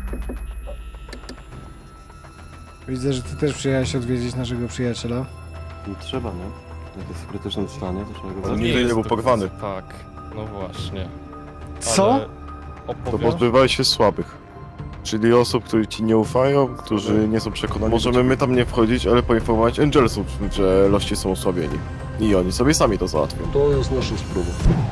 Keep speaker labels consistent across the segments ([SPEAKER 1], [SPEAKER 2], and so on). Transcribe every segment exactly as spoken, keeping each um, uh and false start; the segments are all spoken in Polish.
[SPEAKER 1] Widzę, że ty też przyjechałeś odwiedzić naszego przyjaciela.
[SPEAKER 2] Nie trzeba, nie? Jak jest w krytycznym stanie, to trzeba go
[SPEAKER 3] On
[SPEAKER 2] zabić.
[SPEAKER 3] nigdy nie
[SPEAKER 4] jest
[SPEAKER 3] był
[SPEAKER 4] do-
[SPEAKER 3] porwany.
[SPEAKER 4] Tak, no właśnie.
[SPEAKER 1] Co?
[SPEAKER 4] Ale
[SPEAKER 3] To
[SPEAKER 4] opowiesz?
[SPEAKER 3] pozbywaj się słabych. Czyli osób, którzy ci nie ufają, którzy nie są przekonani. Możemy my tam nie wchodzić, ale poinformować Angelsów, że lości są osłabieni. I oni sobie sami to załatwią.
[SPEAKER 5] To jest nasza sprawa.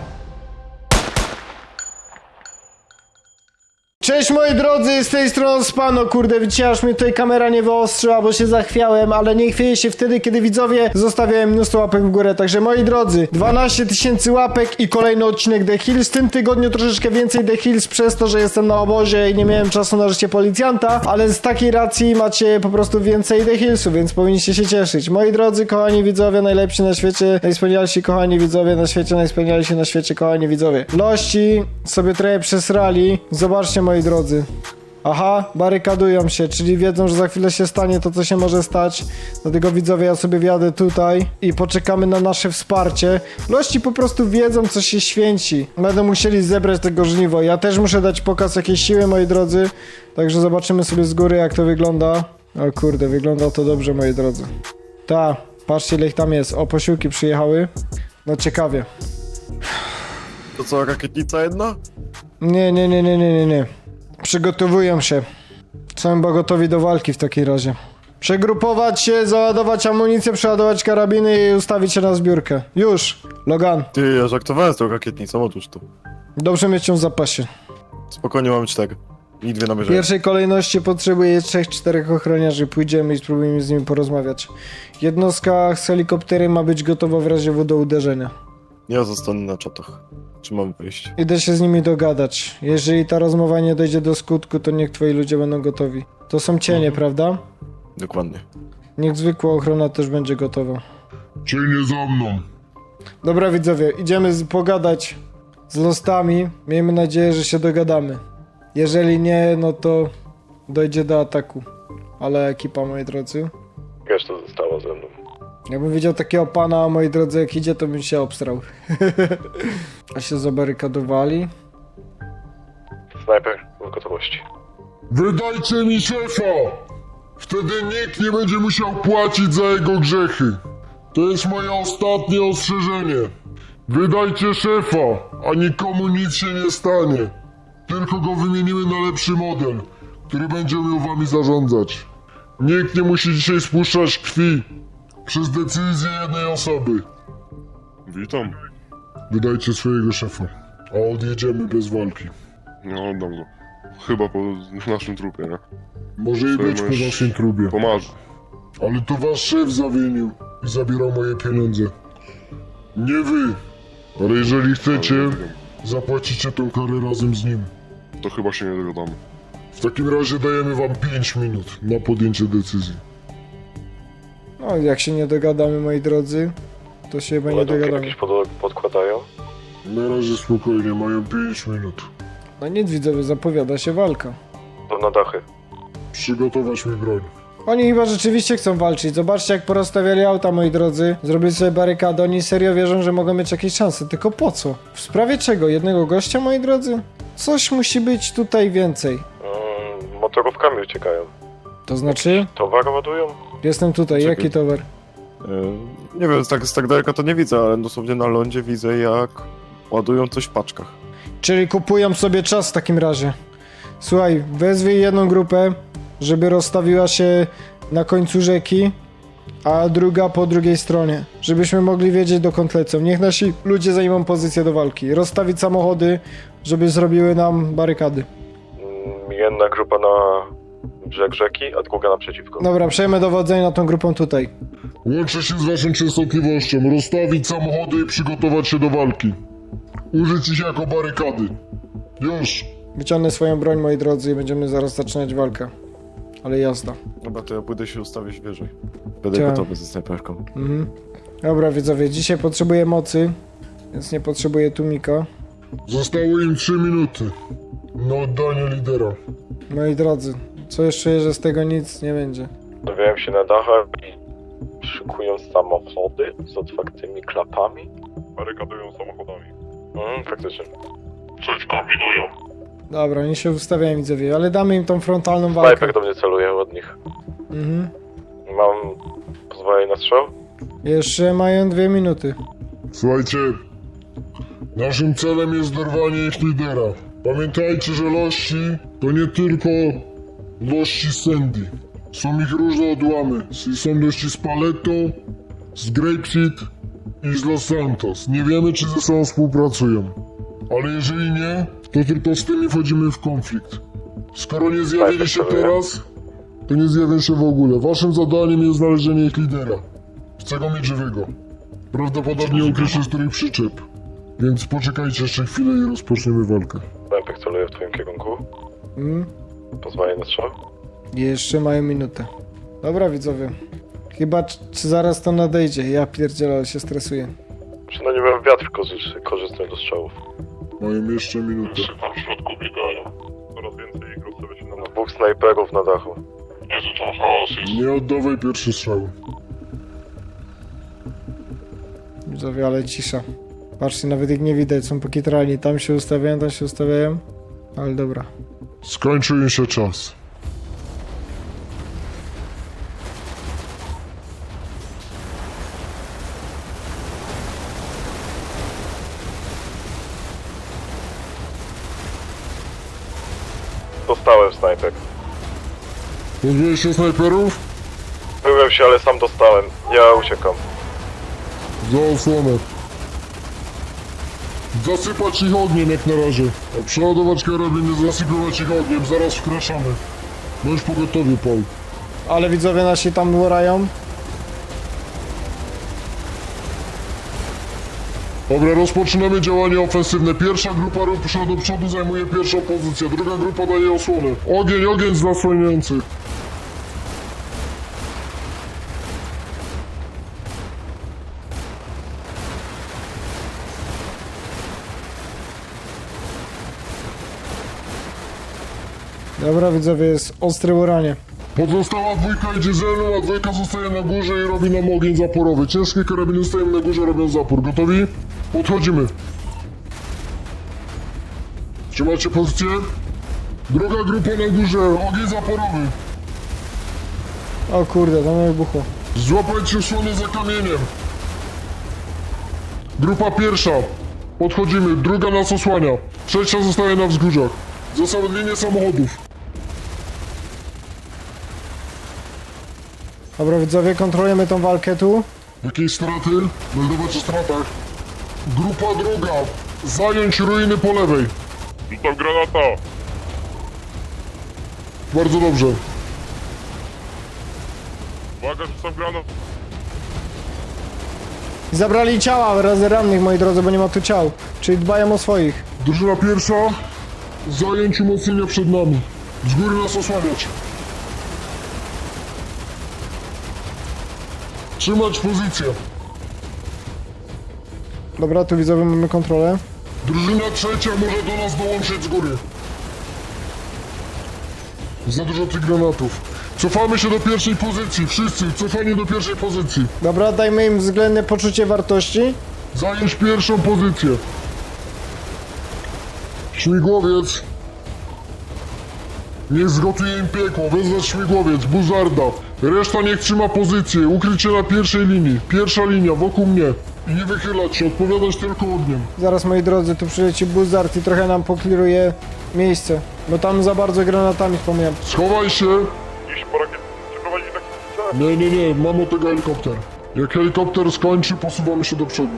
[SPEAKER 1] Cześć moi drodzy, z tej strony Spano, kurde, widzicie, aż mnie tutaj kamera nie wyostrzyła, bo się zachwiałem, ale nie chwieję się wtedy, kiedy widzowie zostawiają mnóstwo łapek w górę, także moi drodzy, dwanaście tysięcy łapek i kolejny odcinek The Hills, w tym tygodniu troszeczkę więcej The Hills przez to, że jestem na obozie i nie miałem czasu na życie policjanta, ale z takiej racji macie po prostu więcej The Hillsów, więc powinniście się cieszyć. Moi drodzy, kochani widzowie, najlepsi na świecie, najwspanialsi kochani widzowie na świecie, najwspanialsi na świecie, kochani widzowie. Lości sobie trochę przesrali, zobaczcie moi drodzy. Aha, barykadują się, czyli wiedzą, że za chwilę się stanie to, co się może stać. Dlatego widzowie, ja sobie wjadę tutaj i poczekamy na nasze wsparcie. Lości po prostu wiedzą, co się święci. Będą musieli zebrać tego żniwo. Ja też muszę dać pokaz jakiejś siły, moi drodzy. Także zobaczymy sobie z góry, jak to wygląda. O kurde, wygląda to dobrze, moi drodzy. Ta, patrzcie, ile ich tam jest. O, posiłki przyjechały. No ciekawie.
[SPEAKER 3] To co, rakietnica jedna?
[SPEAKER 1] Nie, nie, nie, nie, nie, nie, nie. Przygotowują się. Są chyba gotowi do walki w takim razie. Przegrupować się, załadować amunicję, przeładować karabiny i ustawić się na zbiórkę. Już, Logan.
[SPEAKER 3] Ty, ja żartowałem z tą rakietnicą, otóż to.
[SPEAKER 1] Dobrze mieć ją w zapasie.
[SPEAKER 3] Spokojnie, mamy cztery. I dwie
[SPEAKER 1] W
[SPEAKER 3] namierzenia.
[SPEAKER 1] pierwszej kolejności potrzebuję trzech, czterech ochroniarzy. Pójdziemy i spróbujemy z nimi porozmawiać. Jednostka z helikopterem ma być gotowa w razie W do uderzenia.
[SPEAKER 3] Ja zostanę na czatach. Czy mam wyjść?
[SPEAKER 1] Idę się z nimi dogadać. Jeżeli ta rozmowa nie dojdzie do skutku, to niech twoi ludzie będą gotowi. To są cienie, prawda?
[SPEAKER 3] Dokładnie.
[SPEAKER 1] Niech zwykła ochrona też będzie gotowa.
[SPEAKER 5] Cienie za mną.
[SPEAKER 1] Dobra widzowie, idziemy z, pogadać z lostami. Miejmy nadzieję, że się dogadamy. Jeżeli nie, no to dojdzie do ataku. Ale ekipa, moi drodzy.
[SPEAKER 3] Reszta została ze mną.
[SPEAKER 1] Jakbym widział takiego pana, moi drodzy, jak idzie, to bym się obstrał. A się zabarykadowali.
[SPEAKER 3] Snajper w gotowości.
[SPEAKER 5] Wydajcie mi szefa! Wtedy nikt nie będzie musiał płacić za jego grzechy. To jest moje ostatnie ostrzeżenie. Wydajcie szefa, a nikomu nic się nie stanie. Tylko go wymienimy na lepszy model, który będzie umiał wami zarządzać. Nikt nie musi dzisiaj spuszczać krwi przez decyzję jednej osoby.
[SPEAKER 6] Witam.
[SPEAKER 5] Wydajcie swojego szefa, a odjedziemy bez walki.
[SPEAKER 6] No, oddam go. Chyba po naszym trupie, nie?
[SPEAKER 5] Może i
[SPEAKER 6] Sobie
[SPEAKER 5] być po
[SPEAKER 6] możesz-
[SPEAKER 5] waszym trubie.
[SPEAKER 6] Pomarzy.
[SPEAKER 5] Ale to wasz szef zawinił i zabierał moje pieniądze. Nie wy. Ale jeżeli chcecie, zapłacicie tą karę razem z nim.
[SPEAKER 6] To chyba się nie dogadamy.
[SPEAKER 5] W takim razie dajemy wam pięć minut na podjęcie decyzji.
[SPEAKER 1] No, jak się nie dogadamy, moi drodzy, to się chyba nie dogadamy.
[SPEAKER 3] pod podkładają?
[SPEAKER 5] Na razie spokojnie, mają pięć minut.
[SPEAKER 1] No nic widzowie, zapowiada się walka.
[SPEAKER 3] To na dachy.
[SPEAKER 5] Przygotować mi broń.
[SPEAKER 1] Oni chyba rzeczywiście chcą walczyć. Zobaczcie, jak porozstawiali auta, moi drodzy. Zrobili sobie barykady. Oni serio wierzą, że mogą mieć jakieś szanse. Tylko po co? W sprawie czego? Jednego gościa, moi drodzy? Coś musi być tutaj więcej.
[SPEAKER 3] Mm, motorówkami uciekają.
[SPEAKER 1] To znaczy?
[SPEAKER 3] Towar ładują?
[SPEAKER 1] Jestem tutaj.
[SPEAKER 3] Czekaj.
[SPEAKER 1] Jaki towar?
[SPEAKER 3] E, nie wiem, z tak, z tak daleka to nie widzę, ale dosłownie na lądzie widzę, jak ładują coś w paczkach.
[SPEAKER 1] Czyli kupują sobie czas w takim razie. Słuchaj, wezwij jedną grupę, żeby rozstawiła się na końcu rzeki, a druga po drugiej stronie. Żebyśmy mogli wiedzieć, dokąd lecą. Niech nasi ludzie zajmą pozycję do walki. Rozstawić samochody, żeby zrobiły nam barykady.
[SPEAKER 3] Mm, jedna grupa na brzeg rzeki, a druga naprzeciwko.
[SPEAKER 1] Dobra, przejmę dowodzenie nad tą grupą tutaj.
[SPEAKER 5] Łączę się z waszą częstotliwością, rozstawić samochody i przygotować się do walki. Użyć ich jako barykady. Już.
[SPEAKER 1] Wyciągnę swoją broń, moi drodzy, i będziemy zaraz zaczynać walkę. Ale jazda.
[SPEAKER 3] Dobra, to ja pójdę się ustawić wyżej. Będę
[SPEAKER 1] Tak.
[SPEAKER 3] gotowy ze snajperką.
[SPEAKER 1] Mhm. Dobra, widzowie, dzisiaj potrzebuję mocy, więc nie potrzebuję tłumika.
[SPEAKER 5] Zostało im trzy minuty na oddanie lidera.
[SPEAKER 1] Moi drodzy, co jeszcze, że z tego nic nie będzie.
[SPEAKER 3] Stawiają się na dachach i szykują samochody z otwartymi klapami.
[SPEAKER 6] Barykadują samochodami.
[SPEAKER 3] Mm, faktycznie.
[SPEAKER 6] Coś kombinują.
[SPEAKER 1] Dobra, nie się ustawiają widzowie, ale damy im tą frontalną walkę.
[SPEAKER 4] Snajper do mnie celuje od nich.
[SPEAKER 1] Mhm.
[SPEAKER 4] Mam pozwolenie na strzał?
[SPEAKER 1] Jeszcze mają dwie minuty.
[SPEAKER 5] Słuchajcie, naszym celem jest dorwanie ich lidera. Pamiętajcie, że lości to nie tylko lości z Sandy. Są ich różne odłamy. Są lości z Paleto, z Grapeseed i z Los Santos. Nie wiemy, czy ze sobą współpracują. Ale jeżeli nie, to tylko z tymi wchodzimy w konflikt. Skoro nie zjawili się teraz, to nie zjawią się w ogóle. Waszym zadaniem jest znalezienie ich lidera. Chcę go mieć żywego. Prawdopodobnie ukrył się z których przyczep. Więc poczekajcie jeszcze chwilę i rozpoczniemy walkę.
[SPEAKER 4] Snajper celuje w twoim kierunku.
[SPEAKER 1] Mm.
[SPEAKER 4] Pozwolenie na strzał?
[SPEAKER 1] Jeszcze mają minutę. Dobra widzowie. Chyba c- czy zaraz to nadejdzie. Ja pierdzielę, ale się stresuję.
[SPEAKER 4] Przynajmniej mam wiatr korzystny, korzystny do strzałów.
[SPEAKER 5] Mają jeszcze minutę.
[SPEAKER 6] Tam w środku biegają. Coraz więcej ich rozstawia się na nas.
[SPEAKER 4] Dwóch snajperów na dachu.
[SPEAKER 6] Jezu, tam chaos jest.
[SPEAKER 5] Nie oddawaj pierwszy strzał.
[SPEAKER 1] Widzowie, ale cisza. Patrzcie, nawet ich nie widać, są pokitrani. Tam się ustawiają, tam się ustawiają. Ale dobra.
[SPEAKER 5] Skończył im się czas.
[SPEAKER 4] Dostałem snajper.
[SPEAKER 5] Pozbyłeś się snajperów?
[SPEAKER 4] Byłem się, ale sam dostałem. Ja uciekam.
[SPEAKER 5] Za osłonę. Zasypać ich ogniem jak na razie. Przeładować karabiny, zasypywać ich ogniem. Zaraz wkraczamy. Bądź pogotowy, Paul.
[SPEAKER 1] Ale widzowie nasi tam łorają.
[SPEAKER 5] Dobra, rozpoczynamy działanie ofensywne. Pierwsza grupa rusza do przodu, zajmuje pierwszą pozycję. Druga grupa daje osłonę. Ogień, ogień z zasłaniających.
[SPEAKER 1] Dobra widzowie, jest ostre łoranie.
[SPEAKER 5] Pozostała dwójka idzie ze mną, a dwójka zostaje na górze i robi nam ogień zaporowy. Ciężkie karabiny stoją na górze, robią zapór. Gotowi? Podchodzimy. Trzymacie pozycję? Druga grupa na górze, ogień zaporowy.
[SPEAKER 1] O kurde, tam wybuchło.
[SPEAKER 5] Złapajcie osłonę za kamieniem. Grupa pierwsza. Podchodzimy, druga nas osłania. Trzecia zostaje na wzgórzach. Zostały linie samochodów.
[SPEAKER 1] Dobra widzowie, kontrolujemy tą walkę tu.
[SPEAKER 5] Jakieś straty? Meldować o stratach. Grupa druga. Zająć ruiny po lewej.
[SPEAKER 6] Rzucam granata.
[SPEAKER 5] Bardzo dobrze.
[SPEAKER 6] Uwaga, rzucam granat.
[SPEAKER 1] Zabrali ciała razy rannych, moi drodzy, bo nie ma tu ciał. Czyli dbają o swoich.
[SPEAKER 5] Drużyna pierwsza. Zająć umocnienia przed nami. Z góry nas osłaniać. Trzymać pozycję.
[SPEAKER 1] Dobra, tu widzowie mamy kontrolę.
[SPEAKER 5] Drużyna trzecia może do nas dołączyć z góry. Za dużo tych granatów. Cofamy się do pierwszej pozycji. Wszyscy, cofanie do pierwszej pozycji.
[SPEAKER 1] Dobra, dajmy im względne poczucie wartości.
[SPEAKER 5] Zająć pierwszą pozycję. Śmigłowiec. Niech zgotuje im piekło. Wezwać śmigłowiec. Buzarda. Reszta niech trzyma pozycję. Ukryć się na pierwszej linii. Pierwsza linia, wokół mnie. I nie wychylać się. Odpowiadać tylko ogniem.
[SPEAKER 1] Zaraz, moi drodzy, tu przyleci Buzzard i trochę nam pokliruje miejsce. Bo tam za bardzo granatami wspomniałem.
[SPEAKER 5] Schowaj się.
[SPEAKER 6] Iść po rakiet. Przeprowadzić tak.
[SPEAKER 5] Nie, nie, nie. Mam od tego helikopter. Jak helikopter skończy, posuwamy się do przodu.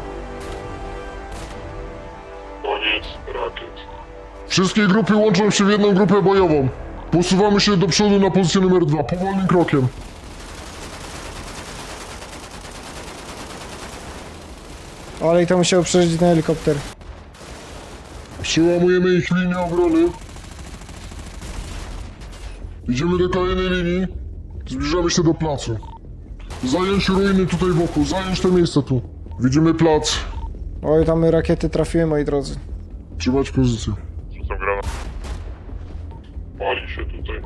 [SPEAKER 6] Koniec rakiet.
[SPEAKER 5] Wszystkie grupy łączą się w jedną grupę bojową. Posuwamy się do przodu na pozycję numer dwa, powolnym krokiem.
[SPEAKER 1] Ale i to musiał przeżyć ten helikopter.
[SPEAKER 5] Przełamujemy ich linię obrony. Idziemy do kolejnej linii. Zbliżamy się do placu. Zająć ruiny tutaj wokół, zająć to miejsce tu. Widzimy plac.
[SPEAKER 1] Oj, tam rakiety trafiły, moi drodzy.
[SPEAKER 5] Trzymać pozycję.
[SPEAKER 6] Rzucam granat. Pali się tutaj.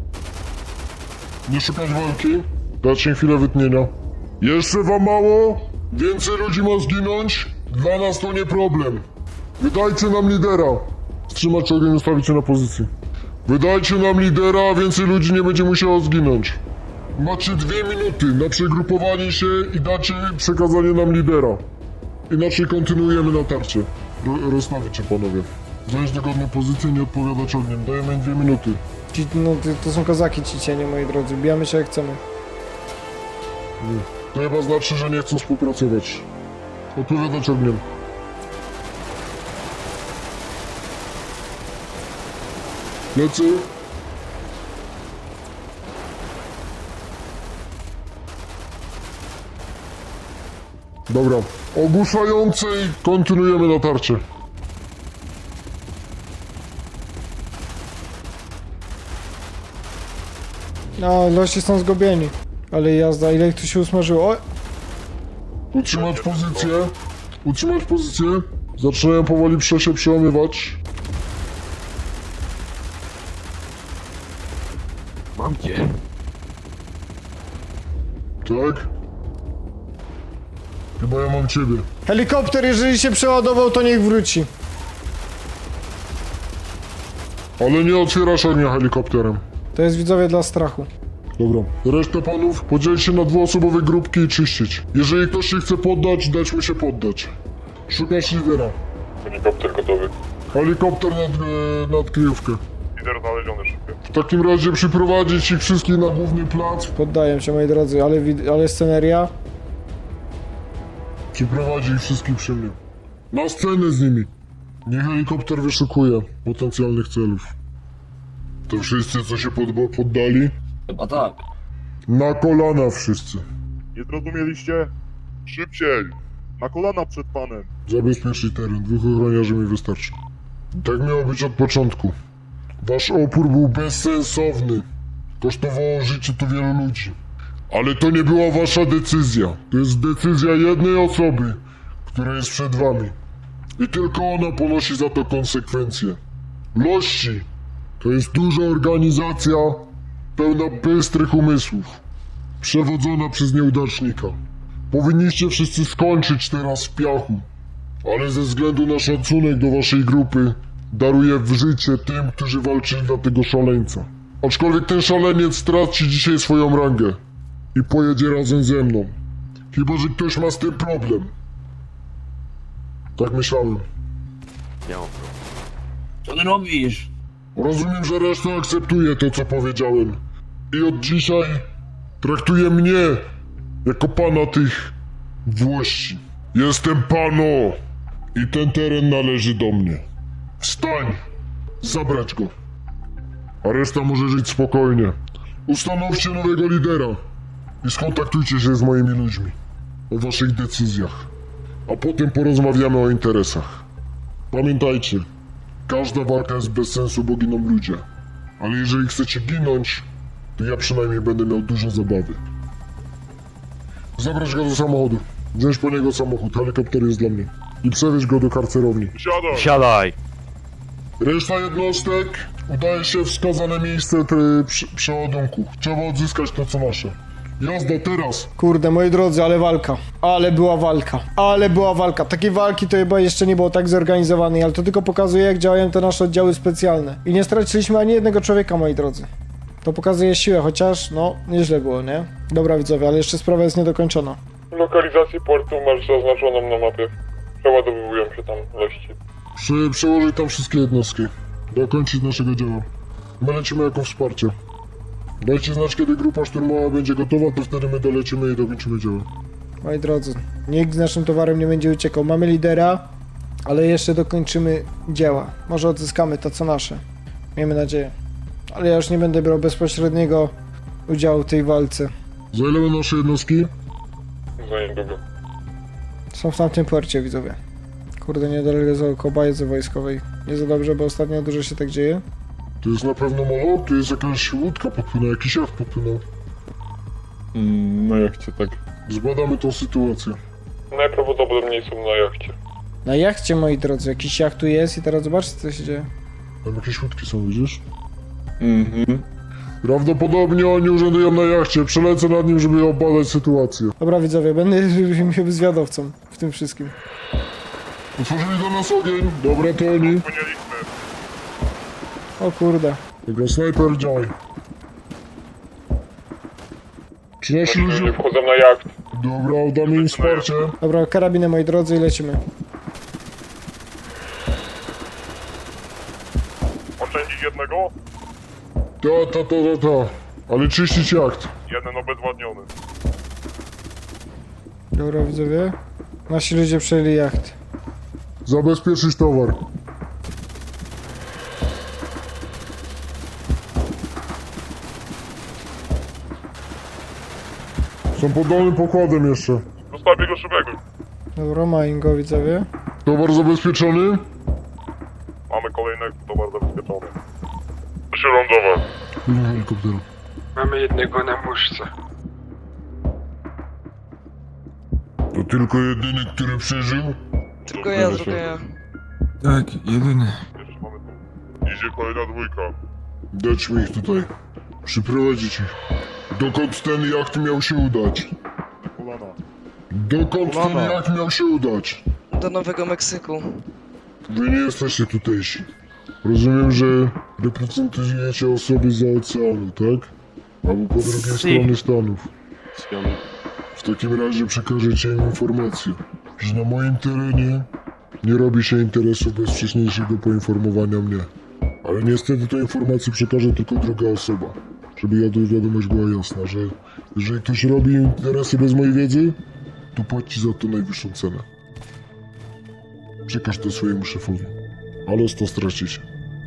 [SPEAKER 5] Nie szukać walki. Dać im chwilę wytnienia. Jeszcze wam mało? Więcej ludzi ma zginąć? Dla nas to nie problem. Wydajcie nam lidera. Wstrzymać ogień, ustawić się na pozycji. Wydajcie nam lidera, a więcej ludzi nie będzie musiało zginąć. Macie dwie minuty na przegrupowanie się i dacie przekazanie nam lidera. Inaczej kontynuujemy natarcie. Ro rozstawić się, panowie. Zająć dogodne pozycje, nie odpowiadać ogniem. Dajemy im dwie minuty.
[SPEAKER 1] Ci, no, to, to są kozaki ci cienie, moi drodzy. Bijamy się jak chcemy.
[SPEAKER 5] To chyba znaczy, że nie chcą współpracować. Odpowiadać ogniem. Lecy. Dobra. Ogłuszającej kontynuujemy natarcie.
[SPEAKER 1] No, lości są zgubieni. Ale jazda, ile ich tu się usmażyło? O!
[SPEAKER 5] Utrzymać pozycję. Utrzymać pozycję. Zaczynają powoli prze się przełamywać.
[SPEAKER 3] Mam cię.
[SPEAKER 5] Tak? Chyba ja mam ciebie.
[SPEAKER 1] Helikopter, jeżeli się przeładował, to niech wróci.
[SPEAKER 5] Ale nie otwierasz ognia helikopterem.
[SPEAKER 1] To jest widzowie dla strachu.
[SPEAKER 5] Dobra. Resztę panów podzielić się na dwuosobowe grupki i czyścić. Jeżeli ktoś się chce poddać, dać mi się poddać. Szukasz lidera.
[SPEAKER 4] Helikopter gotowy.
[SPEAKER 5] Helikopter nad, e, nad kryjówkę.
[SPEAKER 4] Lider znaleziony szybko.
[SPEAKER 5] W takim razie przyprowadzić ich wszystkich na główny plac.
[SPEAKER 1] Poddaję się, moi drodzy, ale, wid- ale sceneria.
[SPEAKER 5] Przyprowadzi ich wszystkich przy mnie. Na scenę z nimi. Niech helikopter wyszukuje potencjalnych celów. To wszyscy, co się pod, poddali?
[SPEAKER 7] Chyba tak.
[SPEAKER 5] Na kolana wszyscy.
[SPEAKER 6] Nie zrozumieliście? Szybciej! Na kolana przed panem!
[SPEAKER 5] Zabezpieczyć teren. Dwóch ochroniarzy mi wystarczy. Tak miało być od początku. Wasz opór był bezsensowny. Kosztowało życie tu wielu ludzi. Ale to nie była wasza decyzja. To jest decyzja jednej osoby, która jest przed wami. I tylko ona ponosi za to konsekwencje. Lości to jest duża organizacja pełna bystrych umysłów. Przewodzona przez nieudacznika. Powinniście wszyscy skończyć teraz w piachu. Ale ze względu na szacunek do waszej grupy daruję w życie tym, którzy walczyli dla tego szaleńca. Aczkolwiek ten szaleniec straci dzisiaj swoją rangę i pojedzie razem ze mną. Chyba że ktoś ma z tym problem. Tak myślałem.
[SPEAKER 2] Nie mam problemu.
[SPEAKER 7] Co ty robisz?
[SPEAKER 5] Rozumiem, że reszta akceptuje to, co powiedziałem. I od dzisiaj traktuje mnie jako pana tych włości. Jestem pano i ten teren należy do mnie. Wstań! Zabrać go. A reszta może żyć spokojnie. Ustanowcie nowego lidera i skontaktujcie się z moimi ludźmi o waszych decyzjach. A potem porozmawiamy o interesach. Pamiętajcie, każda walka jest bez sensu, bo giną ludzie. Ale jeżeli chcecie ginąć, to ja przynajmniej będę miał dużo zabawy. Zabrać go do samochodu. Wziąć po niego samochód, helikopter jest dla mnie. I przewieźć go do karcerowni.
[SPEAKER 6] Siadaj!
[SPEAKER 3] Siadaj!
[SPEAKER 5] Reszta jednostek udaje się w wskazane miejsce try, przy, przeładunku. Trzeba odzyskać to, co nasze. Jazda teraz!
[SPEAKER 1] Kurde, moi drodzy, ale walka. Ale była walka. Ale była walka. Takiej walki to chyba jeszcze nie było tak zorganizowanej, ale to tylko pokazuje, jak działają te nasze oddziały specjalne. I nie straciliśmy ani jednego człowieka, moi drodzy. To pokazuje siłę, chociaż, no, nieźle było, nie? Dobra, widzowie, ale jeszcze sprawa jest niedokończona.
[SPEAKER 4] Lokalizację portu masz zaznaczoną na mapie. Przeładowują się tam lości.
[SPEAKER 5] Prze, przełożyć tam wszystkie jednostki. Dokończyć naszego dzieła. My lecimy jako wsparcie. Dajcie znać, kiedy grupa szturmowa będzie gotowa, to wtedy my dolecimy i dokończymy dzieło.
[SPEAKER 1] Moi drodzy, nikt z naszym towarem nie będzie uciekał. Mamy lidera, ale jeszcze dokończymy dzieła. Może odzyskamy to, co nasze. Miejmy nadzieję. Ale ja już nie będę brał bezpośredniego udziału w tej walce.
[SPEAKER 5] Za ile będą nasze jednostki?
[SPEAKER 4] Za niedługo.
[SPEAKER 1] Są w tamtym porcie, widzowie. Kurde, niedaleko koło bazy wojskowej. Nie za dobrze, bo ostatnio dużo się tak dzieje.
[SPEAKER 5] To jest na pewno molo? To jest jakaś łódka podpłynęła, jakiś jacht podpłynął.
[SPEAKER 6] Mm, no jak cię tak...
[SPEAKER 5] Zbadamy tą sytuację.
[SPEAKER 4] Najprawdopodobniej są na jachcie.
[SPEAKER 1] Na jachcie, moi drodzy, jakiś jacht tu jest i teraz zobaczcie, co się dzieje.
[SPEAKER 5] Tam jakieś łódki są, widzisz?
[SPEAKER 7] Mhm.
[SPEAKER 5] Prawdopodobnie oni urzędują na jachcie. Przelecę nad nim, żeby obadać sytuację.
[SPEAKER 1] Dobra, widzowie, będę zwiadowcą w tym wszystkim.
[SPEAKER 5] Otworzyli do nas ogień. Dobra, to oni.
[SPEAKER 6] Płynieliśmy.
[SPEAKER 1] O kurde.
[SPEAKER 5] Tylko snajper działaj. Czy nasi
[SPEAKER 4] Ludzie
[SPEAKER 5] ludzie...
[SPEAKER 4] wchodzą na jacht.
[SPEAKER 5] Dobra, damy im wsparcie.
[SPEAKER 1] Dobra, karabiny moi drodzy i lecimy.
[SPEAKER 6] Oszczędzić jednego?
[SPEAKER 5] Ta, ta, ta, ta, ta. Ale czyścić jacht.
[SPEAKER 6] Jeden obezwładniony.
[SPEAKER 1] Dobra, widzowie. Nasi ludzie przejęli jacht.
[SPEAKER 5] Zabezpieczyć towar. Są pod dolnym pokładem jeszcze.
[SPEAKER 6] Zostawię go szybego.
[SPEAKER 1] Dobra, mają go, widzowie.
[SPEAKER 5] Towar zabezpieczony?
[SPEAKER 6] Mamy kolejnego towar zabezpieczony. Proszę lądować.
[SPEAKER 5] Pilnuj helikopteru.
[SPEAKER 8] Mamy jednego na muszce.
[SPEAKER 5] To tylko jedyny, który przeżył?
[SPEAKER 8] Tylko ja, tylko ja.
[SPEAKER 9] Tak, jedyny.
[SPEAKER 6] Jeszcze mamy tu. Idzie kolejna dwójka.
[SPEAKER 5] Dać mi ich tutaj. Przyprowadzić ich. Dokąd ten jacht miał się udać?
[SPEAKER 6] Kolana.
[SPEAKER 5] Dokąd ten
[SPEAKER 6] Kolana.
[SPEAKER 5] jacht miał się udać?
[SPEAKER 8] Do Nowego Meksyku.
[SPEAKER 5] Wy nie jesteście tutejsi. Rozumiem, że reprezentujecie osoby za oceanu, tak? Albo po drugiej stronie Stanów.
[SPEAKER 2] Spiony.
[SPEAKER 5] W takim razie przekażecie im informację, że na moim terenie nie robi się interesu bez wcześniejszego poinformowania mnie. Ale niestety tę informację przekaże tylko druga osoba. Żeby ja tu wiadomość była jasna, że jeżeli ktoś robi interesy bez mojej wiedzy, to płaci za to najwyższą cenę. Przekaż to swojemu szefowi. Ale to stracicie.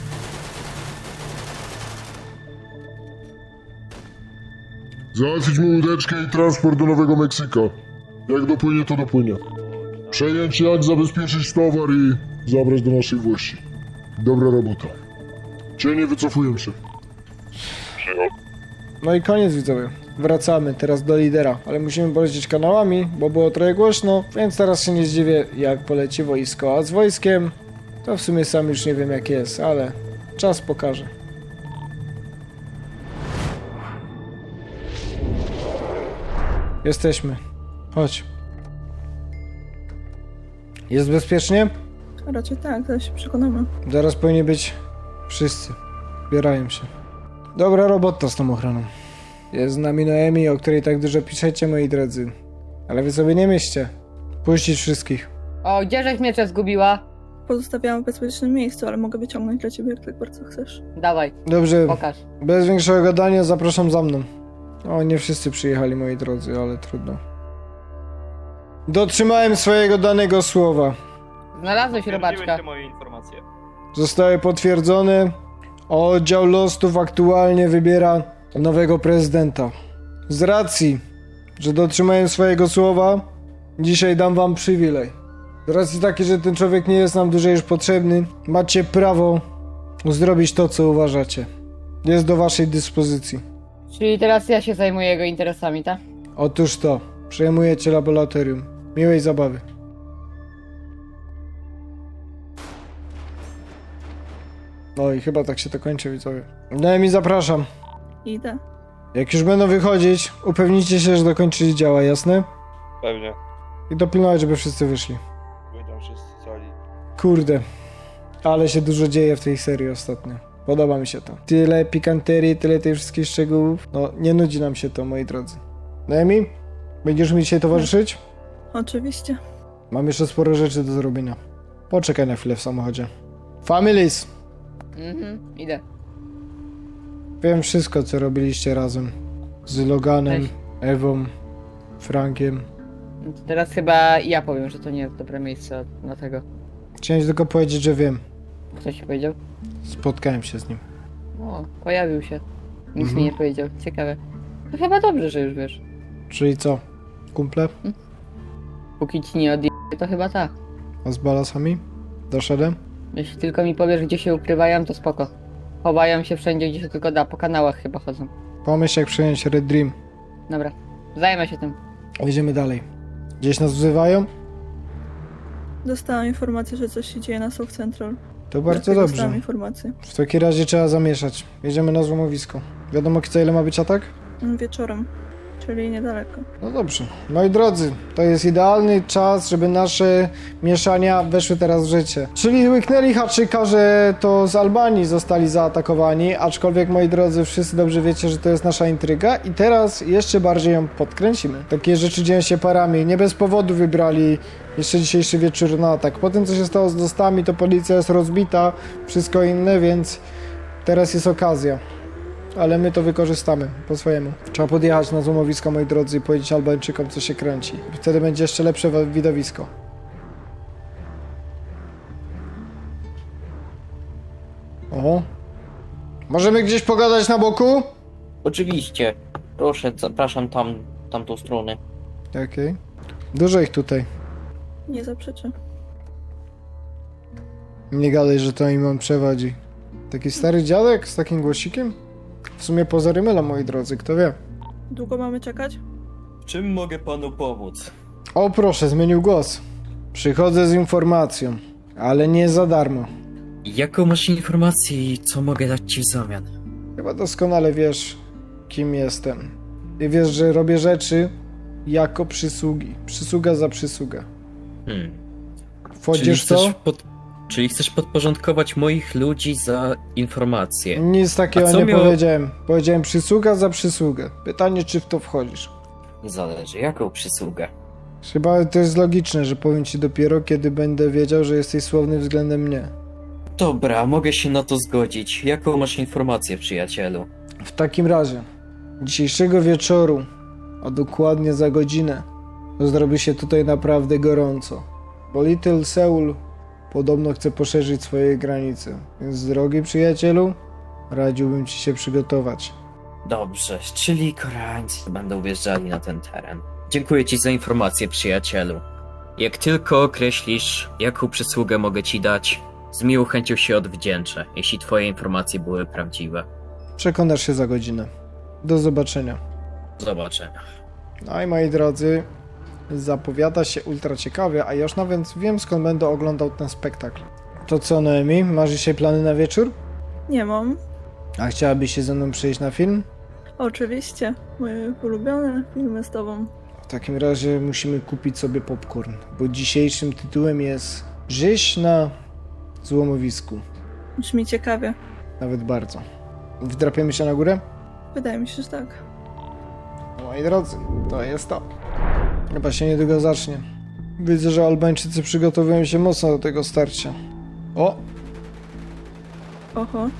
[SPEAKER 5] Załatwić mu łódeczkę i transport do Nowego Meksyka. Jak dopłynie, to dopłynie. Przejąć jak, zabezpieczyć towar i zabrać do naszej włości. Dobra robota. Cienie wycofują się.
[SPEAKER 6] Przyjął.
[SPEAKER 1] No i koniec, widzowie. Wracamy teraz do lidera, ale musimy polecieć kanałami, bo było trochę głośno, więc teraz się nie zdziwię, jak poleci wojsko. A z wojskiem, to w sumie sam już nie wiem jak jest, ale czas pokaże. Jesteśmy. Chodź. Jest bezpiecznie?
[SPEAKER 10] Raczej tak, zaraz się przekonamy.
[SPEAKER 1] Zaraz powinni być wszyscy. Zbierają się. Dobra robota z tą ochroną. Jest z nami Noemi, o której tak dużo piszecie, moi drodzy. Ale wy sobie nie myślcie. Puścić wszystkich.
[SPEAKER 11] O, gdzieżeś miecze zgubiła?
[SPEAKER 10] Pozostawiałam w bezpiecznym miejscu, ale mogę wyciągnąć dla ciebie, jak tak bardzo chcesz.
[SPEAKER 11] Dawaj,
[SPEAKER 1] Dobrze,
[SPEAKER 11] pokaż.
[SPEAKER 1] bez większego gadania zapraszam za mną. O, nie wszyscy przyjechali, moi drodzy, ale trudno. Dotrzymałem swojego danego słowa.
[SPEAKER 11] Znalazłeś robaczka.
[SPEAKER 8] moje informacje.
[SPEAKER 1] Zostały potwierdzone. Oddział Lostów aktualnie wybiera nowego prezydenta. Z racji, że dotrzymałem swojego słowa, dzisiaj dam wam przywilej. Z racji takiej, że ten człowiek nie jest nam dłużej już potrzebny, macie prawo zrobić to, co uważacie. Jest do waszej dyspozycji.
[SPEAKER 11] Czyli teraz ja się zajmuję jego interesami, tak?
[SPEAKER 1] Otóż to, przejmujecie laboratorium. Miłej zabawy. No i chyba tak się to kończy, widzowie. No i mi zapraszam.
[SPEAKER 10] Idę.
[SPEAKER 1] Jak już będą wychodzić, upewnijcie się, że dokończyli działa, jasne?
[SPEAKER 8] Pewnie.
[SPEAKER 1] I dopilnować, żeby wszyscy wyszli.
[SPEAKER 8] Wyjdą wszyscy cali.
[SPEAKER 1] Kurde, ale się dużo dzieje w tej serii ostatnio. Podoba mi się to. Tyle pikanterii, tyle tych wszystkich szczegółów. No, nie nudzi nam się to, moi drodzy. Noemi, będziesz mi dzisiaj towarzyszyć?
[SPEAKER 10] Oczywiście.
[SPEAKER 1] Mam jeszcze sporo rzeczy do zrobienia. Poczekaj na chwilę w samochodzie. Families!
[SPEAKER 11] Mhm, idę.
[SPEAKER 1] Wiem wszystko, co robiliście razem. Z Loganem,
[SPEAKER 11] Cześć.
[SPEAKER 1] Ewą, Frankiem.
[SPEAKER 11] No to teraz chyba ja powiem, że to nie jest dobre miejsce na tego.
[SPEAKER 1] Chciałem tylko powiedzieć, że wiem.
[SPEAKER 11] Kto ci powiedział?
[SPEAKER 1] Spotkałem się z nim.
[SPEAKER 11] O, pojawił się. Nic
[SPEAKER 1] Mhm.
[SPEAKER 11] mi nie powiedział. Ciekawe. To chyba dobrze, że już wiesz.
[SPEAKER 1] Czyli co? Kumple?
[SPEAKER 11] Póki ci nie odje... to chyba tak.
[SPEAKER 1] A z balasami? Doszedłem?
[SPEAKER 11] Jeśli tylko mi powiesz, gdzie się ukrywają, to spoko. Chowają się wszędzie, gdzie się tylko da. Po kanałach chyba chodzą.
[SPEAKER 1] Pomyśl, jak przejąć Red Dream.
[SPEAKER 11] Dobra, zajmę się tym.
[SPEAKER 1] Jedziemy dalej. Gdzieś nas wzywają?
[SPEAKER 10] Dostałam informację, że coś się dzieje na South Central.
[SPEAKER 1] To bardzo
[SPEAKER 10] Dlatego
[SPEAKER 1] dobrze.
[SPEAKER 10] Dostałam informację.
[SPEAKER 1] W takim razie trzeba zamieszać. Jedziemy na złomowisko. Wiadomo, co ile ma być atak?
[SPEAKER 10] Mm, Wieczorem. Czyli niedaleko.
[SPEAKER 1] No dobrze. Moi drodzy, to jest idealny czas, żeby nasze mieszania weszły teraz w życie. Czyli łyknęli haczyka, że to z Albanii zostali zaatakowani, aczkolwiek, moi drodzy, wszyscy dobrze wiecie, że to jest nasza intryga i teraz jeszcze bardziej ją podkręcimy. Takie rzeczy dzieją się parami. Nie bez powodu wybrali jeszcze dzisiejszy wieczór na atak. Po tym, co się stało z dostami, to policja jest rozbita, wszystko inne, więc teraz jest okazja. Ale my to wykorzystamy po swojemu. Trzeba podjechać na złomowisko, moi drodzy, i powiedzieć Albańczykom, co się kręci. Wtedy będzie jeszcze lepsze wa- widowisko. O. Możemy gdzieś pogadać na boku?
[SPEAKER 11] Oczywiście. Proszę, zapraszam tam, tamtą stronę.
[SPEAKER 1] Okej. Dużo ich tutaj.
[SPEAKER 10] Nie zaprzeczę.
[SPEAKER 1] Nie gadaj, że to im on przewodzi. Taki stary dziadek z takim głosikiem? W sumie pozory mylą, moi drodzy, kto wie.
[SPEAKER 10] Długo mamy czekać?
[SPEAKER 7] W czym mogę panu pomóc?
[SPEAKER 1] O proszę, zmienił głos. Przychodzę z informacją, ale nie za darmo.
[SPEAKER 7] Jaką masz informację i co mogę dać ci w zamian?
[SPEAKER 1] Chyba doskonale wiesz, kim jestem. I wiesz, że robię rzeczy jako przysługi. Przysługa za przysługę.
[SPEAKER 7] Hmm.
[SPEAKER 1] Wchodzisz w to?
[SPEAKER 7] chcesz pod... Czyli chcesz podporządkować moich ludzi za informacje?
[SPEAKER 1] Nic takiego
[SPEAKER 7] A co
[SPEAKER 1] nie
[SPEAKER 7] miało-
[SPEAKER 1] powiedziałem. Powiedziałem przysługa za przysługę. Pytanie, czy w to wchodzisz?
[SPEAKER 7] Zależy, jaką przysługę?
[SPEAKER 1] Chyba to jest logiczne, że powiem ci dopiero, kiedy będę wiedział, że jesteś słowny względem mnie.
[SPEAKER 7] Dobra, mogę się na to zgodzić. Jaką masz informację, przyjacielu?
[SPEAKER 1] W takim razie, dzisiejszego wieczoru, a dokładnie za godzinę, zrobi się tutaj naprawdę gorąco. Bo Little Seoul podobno chce poszerzyć swoje granice. Więc, drogi przyjacielu, radziłbym ci się przygotować.
[SPEAKER 7] Dobrze, czyli Koreańcy będą wjeżdżali na ten teren. Dziękuję ci za informację, przyjacielu. Jak tylko określisz, jaką przysługę mogę ci dać, z miłą chęcią się odwdzięczę, jeśli twoje informacje były prawdziwe.
[SPEAKER 1] Przekonasz się za godzinę. Do zobaczenia.
[SPEAKER 7] Zobaczenia.
[SPEAKER 1] No i moi drodzy, zapowiada się ultra ciekawie, a ja już nawet wiem, skąd będę oglądał ten spektakl. To co, Noemi? Masz dzisiaj plany na wieczór?
[SPEAKER 10] Nie mam.
[SPEAKER 1] A chciałabyś się ze mną przyjść na film?
[SPEAKER 10] Oczywiście. Moje ulubione filmy z tobą.
[SPEAKER 1] W takim razie musimy kupić sobie popcorn, bo dzisiejszym tytułem jest Rzeź na złomowisku.
[SPEAKER 10] Brzmi ciekawie.
[SPEAKER 1] Nawet bardzo. Wdrapiemy się na górę?
[SPEAKER 10] Wydaje mi się, że tak.
[SPEAKER 1] No, moi drodzy, to jest to. Chyba się niedługo zacznie. Widzę, że Albańczycy przygotowują się mocno do tego starcia. O!
[SPEAKER 10] Oho.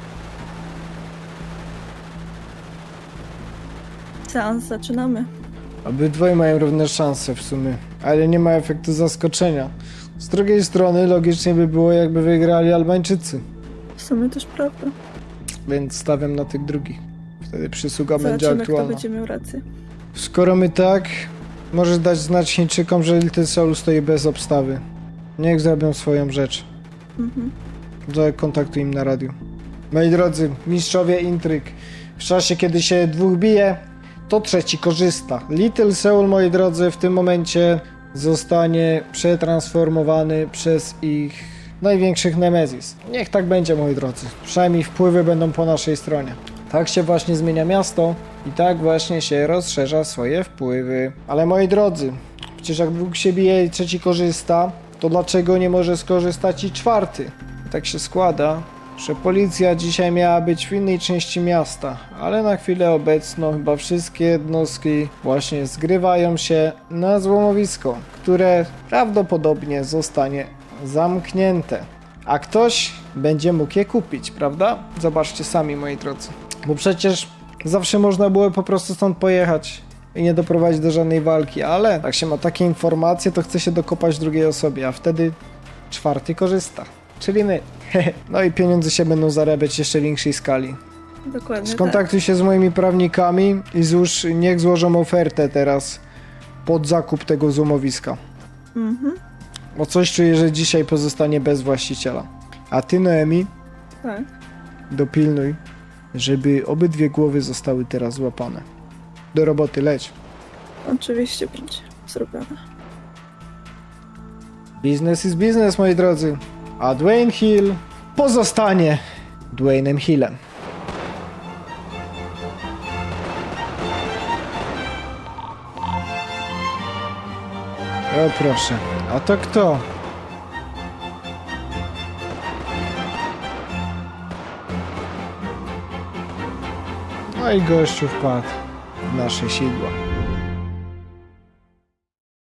[SPEAKER 10] Seans zaczynamy.
[SPEAKER 1] Obydwoje mają równe szanse w sumie, ale nie ma efektu zaskoczenia. Z drugiej strony logicznie by było, jakby wygrali Albańczycy,
[SPEAKER 10] W sumie też prawda.
[SPEAKER 1] więc stawiam na tych drugich. Wtedy przysługa będzie
[SPEAKER 10] Zobaczymy, kto
[SPEAKER 1] aktualna.
[SPEAKER 10] będzie miał rację.
[SPEAKER 1] Skoro my tak, możesz dać znać Chińczykom, że Little Seoul stoi bez obstawy. Niech zrobią swoją rzecz.
[SPEAKER 10] Mhm.
[SPEAKER 1] Zakontaktuj im na radiu. Moi drodzy, mistrzowie intryg. W czasie, kiedy się dwóch bije, to trzeci korzysta. Little Seoul, moi drodzy, w tym momencie zostanie przetransformowany przez ich największych nemezis. Niech tak będzie, moi drodzy. Przynajmniej wpływy będą po naszej stronie. Tak się właśnie zmienia miasto i tak właśnie się rozszerza swoje wpływy. Ale moi drodzy, przecież jak dwóch się bije i trzeci korzysta, to dlaczego nie może skorzystać i czwarty? I tak się składa, że policja dzisiaj miała być w innej części miasta, ale na chwilę obecną chyba wszystkie jednostki właśnie zgrywają się na złomowisko, które prawdopodobnie zostanie zamknięte. A ktoś będzie mógł je kupić, prawda? Zobaczcie sami, moi drodzy. Bo przecież zawsze można było po prostu stąd pojechać i nie doprowadzić do żadnej walki, ale jak się ma takie informacje, to chce się dokopać drugiej osobie, a wtedy czwarty korzysta, czyli my. No i pieniądze się będą zarabiać w jeszcze większej skali.
[SPEAKER 10] Dokładnie
[SPEAKER 1] Skontaktuj się z moimi prawnikami i złóż, niech złożą ofertę teraz pod zakup tego złomowiska.
[SPEAKER 10] tak. Mhm.
[SPEAKER 1] Bo coś czuję, że dzisiaj pozostanie bez właściciela. A ty, Noemi,
[SPEAKER 10] Tak.
[SPEAKER 1] dopilnuj, żeby obydwie głowy zostały teraz złapane. Do roboty, leć.
[SPEAKER 10] Oczywiście będzie zrobione.
[SPEAKER 1] Biznes is biznes, moi drodzy. A Dwayne Hill pozostanie Dwaynem Hillem. O proszę, a to kto? No i gościu wpadł w nasze sidła.